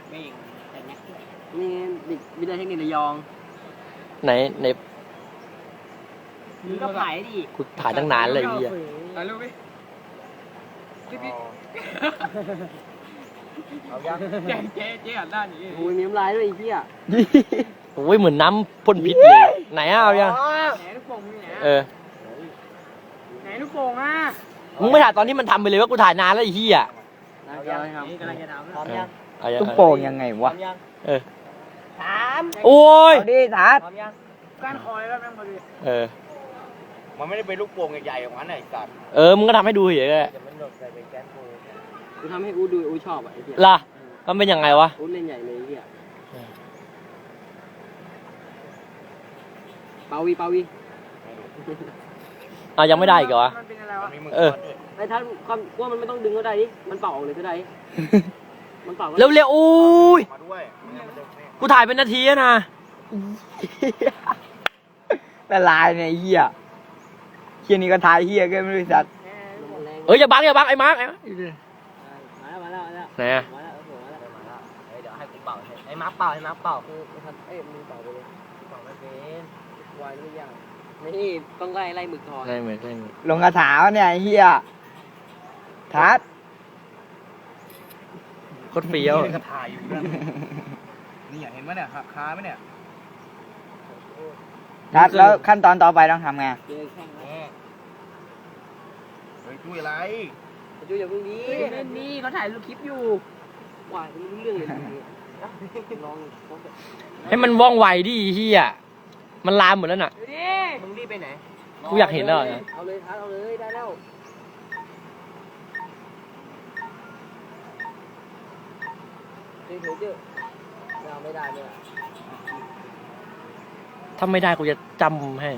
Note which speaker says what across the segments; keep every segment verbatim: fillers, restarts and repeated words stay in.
Speaker 1: ไม่แต่เนี้ยนี่วิทยาเทคนิคระยอง
Speaker 2: ไหนไหน
Speaker 1: มึงก็ถ่ายดิ
Speaker 2: กูถ่ายตั้งนานเลยพี่
Speaker 3: ถ่ายรูปดิพี่พี่เอายังเจ๊เจ๊เจ๊หันด้านนี้
Speaker 1: โอ้ยมีน้ำลายด้วยไอ้เหี้ย
Speaker 2: โอ้ยเหมือนน้ำพ่นพิษเลยไหนเอายัง
Speaker 1: ไหนลูกโป่งมีไหน
Speaker 2: เออ
Speaker 1: ไหนลูกโป่งอ่ะ
Speaker 2: มึงไม่ถ่ายตอนที่มันทำไปเลยว่ากูถ่ายนานแล้วไอ้เหี้ย
Speaker 1: เอายังกำลังจะทำพร้อมยัง
Speaker 2: ลูกโป่งยังไงวะเออ
Speaker 1: ถาม
Speaker 2: โอ้ย
Speaker 1: ดิถามพร้อมยังก้านคอยแล้วแม่งพอดี
Speaker 2: เออ
Speaker 3: มันไม่ได้เป็นลูกโป่งใหญ่ๆของมันไอ้สัตว์
Speaker 2: เออมึงก็ทำให้ดูเฉยเลย
Speaker 1: กูทำให้อูดูอูชอบอ่ะไอ้เหี้ย
Speaker 2: ล่ะมันเป็นยังไงวะ
Speaker 1: อูเล่นใหญ่เลยไอ้เหี้ยเปาวีเปาวี
Speaker 2: อ่ะยังไม่ได้อีกเหรอวะ
Speaker 1: มันเป็นอะไรวะ
Speaker 2: เออ
Speaker 1: ไอ้ท่านความว่ามันไม่ต้องดึงก็ได้ดิมันเป่าออกเลยก็ได้มันเป่า
Speaker 2: เร็วเร็วอุ้ยกูถ่ายเป็นนาทีนะ
Speaker 4: ละลายเนี่ยเหี้ยเหี้ยนี่ก็ถ่ายเหี้ยก็ไม่รู้สัตว์
Speaker 2: เอ้ยอย่าบังอย่าบังไอ้มาร์คไอ้มาร์ค
Speaker 1: มาแล้วมาแล้วมาแล้ว
Speaker 2: ไหนอะ
Speaker 1: มาแล้วมาแล้วมาแล้วเดี๋ยวให้กูเป่าไอ้มาร์คเป่าไอ้มาร์คเป่าคือเอ้ยมึงเป่าไปเลยเป่าไม่เป็นวายไม่ยากนี่ต้องไล่ไล่หมึกทอง
Speaker 2: ไล่หมึกไล่หมึก
Speaker 4: ลงกระถาวเนี่ยเหี้ยทัด
Speaker 2: โคตรเฟี้ยว
Speaker 3: กระถ่ายอยู่นี่อยากเห็นไหมเนี่ยหักคาไหมเนี่ย
Speaker 4: ทัดแล้วขั้นตอนต่อไปต้องทำไง
Speaker 1: เจอแข่งแล้ว
Speaker 3: เฮ้ยจุ้ยอะไร
Speaker 1: จุ้ยอย่าเพิ่งนี้เล่นนี้เขาถ่ายรูปคลิปอยู่วายไม่รู้เรื่องเลยลอง
Speaker 2: ให้มันว่องไวดิเฮียมันลามหมดแล้วน่ะ
Speaker 1: มึงรีบไปไหน
Speaker 2: กูอยากเห็นแล้วนะ
Speaker 1: เอาเลยทัดเอาเลยได้แล้วเฮ้ยเฮ้ยเจ้าเราไม่ได้เนี่ย
Speaker 2: ถ้าไม่ได้กูจะจำให้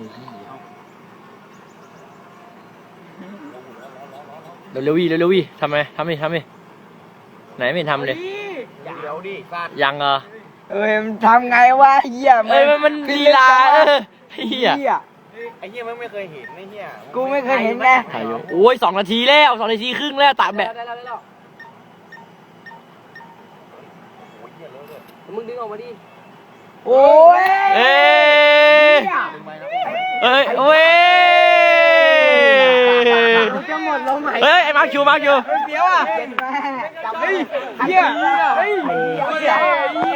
Speaker 2: เร็วเร็ววิเร็วเร็ววิทำไมทำดิทำดิไหนไม่ทำเลย
Speaker 3: เดี๋ยวดิ
Speaker 2: ยังเหรอ
Speaker 4: เอ้ยมันทำไงวะเหี้ย
Speaker 2: เอ้ยมันมันลีลาเออเหี้ย
Speaker 3: ไอ้เหี้ยมันไม่เคยเห็นไอ้เหี้ย
Speaker 4: กูไม่เคยเห็นนะ
Speaker 2: ถ่ายอยู่โอ้ยสองนาทีแล้วสองนาทีครึ่งแล้วตัดแบบ
Speaker 1: ได้แล้วได้แล้วมึงดึงออกมาดิ
Speaker 4: โอ้ย
Speaker 2: เอ้ยเอ้ยโอ้ย
Speaker 1: จะหมดลมหายใจ
Speaker 2: เฮ้ยไอ้มาร์คคิวมาร์คคิว
Speaker 4: เดี๋ยวอ่ะเฮ้ยเหี้ยเฮ้ย